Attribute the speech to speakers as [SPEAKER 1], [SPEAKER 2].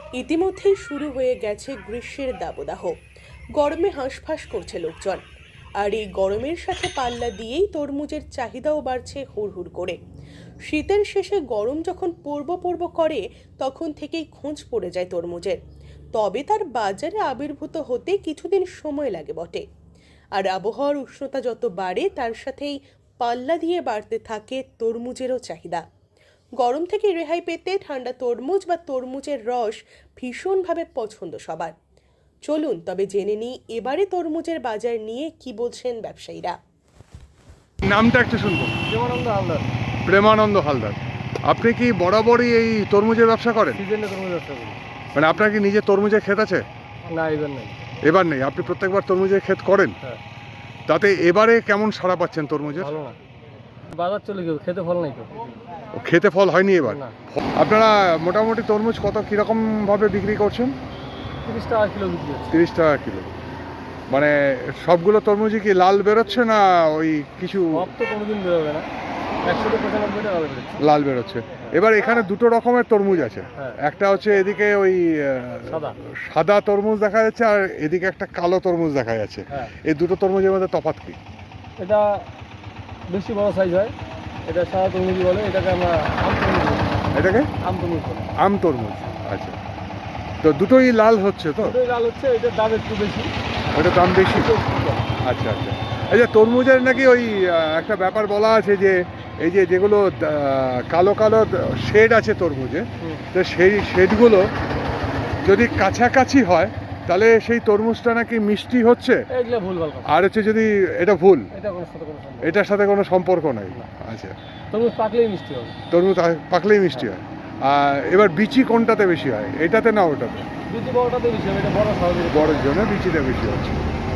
[SPEAKER 1] ইতিমধ্যেই শুরু হয়ে গেছে গ্রীষ্মের দাবদাহ। গরমে হাঁসফাঁস করছে লোকজন। আর এই গরমের সাথে পাল্লা দিয়েই তরমুজের চাহিদাও বাড়ছে হুড়হুড় করে। শীতের শেষে গরম যখন পড়ব পড়ব করে, তখন থেকেই খোঁজ পড়ে যায় তরমুজের। তবে তার বাজারে আবির্ভূত হতে কিছুদিন সময় লাগে বটে। আর আবহাওয়ার উষ্ণতা যত বাড়ে, তার সাথেই পাল্লা দিয়ে বাড়তে থাকে তরমুজেরও চাহিদা। গরম থেকে রেহাই পেতে ঠান্ডা তরমুজ বা তরমুজের রস ভীষণভাবে পছন্দ সবার। চলুন তবে জেনে নিই এবারে তরমুজের বাজার নিয়ে কি বলছেন ব্যবসায়ীরা।
[SPEAKER 2] নামটা একটু শুনবো।
[SPEAKER 3] প্রেমানন্দ হালদার।
[SPEAKER 2] প্রেমানন্দ হালদার, আপনি কি বরাবরই এই তরমুজের ব্যবসা করেন?
[SPEAKER 3] সিজনে তরমুজ ব্যবসা করি।
[SPEAKER 2] মানে আপনার কি নিজে তরমুজের ক্ষেত আছে?
[SPEAKER 3] না, এবার নেই।
[SPEAKER 2] এবার নেই, আপনি প্রত্যেকবার তরমুজের ক্ষেত করেন?
[SPEAKER 3] হ্যাঁ।
[SPEAKER 2] তাতে এবারে কেমন সাড়া পাচ্ছেন তরমুজের?
[SPEAKER 3] ভালো না, বাজার চলে গেল, খেতে ফল নাই তো।
[SPEAKER 2] খেতে ফল হয়নি এবার?
[SPEAKER 3] না।
[SPEAKER 2] আপনারা মোটামুটি তরমুজ কত কীরকম ভাবে বিক্রি করছেন?
[SPEAKER 3] 30 টাকা কিলো বিক্রি হচ্ছে।
[SPEAKER 2] 30 টাকা কিলো। মানে সবগুলো তরমুজই কি লাল বেরোচ্ছে না ওই কিছু?
[SPEAKER 3] সব তো কোনোদিন বেরোবে না, 195 টাকা বেরোচ্ছে।
[SPEAKER 2] লাল বেরোচ্ছে। এবার এখানে দুটো রকমের তরমুজ আছে।
[SPEAKER 3] হ্যাঁ।
[SPEAKER 2] একটা হচ্ছে এদিকে ওই
[SPEAKER 3] সাদা।
[SPEAKER 2] সাদা তরমুজ দেখা যাচ্ছে, আর এদিকে একটা কালো তরমুজ দেখা যাচ্ছে।
[SPEAKER 3] হ্যাঁ।
[SPEAKER 2] এই দুটো তরমুজের মধ্যে তফাৎ কি?
[SPEAKER 3] এটা বেশি বড় সাইজ হয়, এটা সাদা তরমুজ বলে, এটাকে আমরা আম তরমুজ বলি।
[SPEAKER 2] এটাকে
[SPEAKER 3] আম তরমুজ বলে।
[SPEAKER 2] আম তরমুজ। আচ্ছা, তো দুটোই লাল হচ্ছে তো?
[SPEAKER 3] দুটোই লাল হচ্ছে, এটার দাম একটু বেশি।
[SPEAKER 2] ওটার দাম বেশি?
[SPEAKER 3] এটা একটু কম।
[SPEAKER 2] আচ্ছা আচ্ছা। এই যে তরমুজের নাকি ওই একটা ব্যাপার বলা আছে যে এই যে যেগুলো কালো কালো শেড আছে তরমুজে, তো সেই শেডগুলো যদি কাছাকাছি হয় তাহলে সেই তরমুজটা নাকি মিষ্টি হচ্ছে।
[SPEAKER 3] এগুলো ভুলভাল কথা।
[SPEAKER 2] আর হচ্ছে যদি এটা ভুল,
[SPEAKER 3] এটা কোনো সাথে কোনো সম্পর্ক
[SPEAKER 2] এটার সাথে কোনো সম্পর্ক নাই।
[SPEAKER 3] না।
[SPEAKER 2] আচ্ছা,
[SPEAKER 3] তরমুজ পাকলেই মিষ্টি হবে।
[SPEAKER 2] তরমুজ পাকলেই মিষ্টি হয়। আর এবার বিচি কোনটাতে বেশি হয়, এটাতে না ওটাতে?
[SPEAKER 3] দুটি বড়টাতে বেশি হবে, এটা বড় সহজে।
[SPEAKER 2] বড়ের জন্য বিচিটা বেশি হচ্ছে।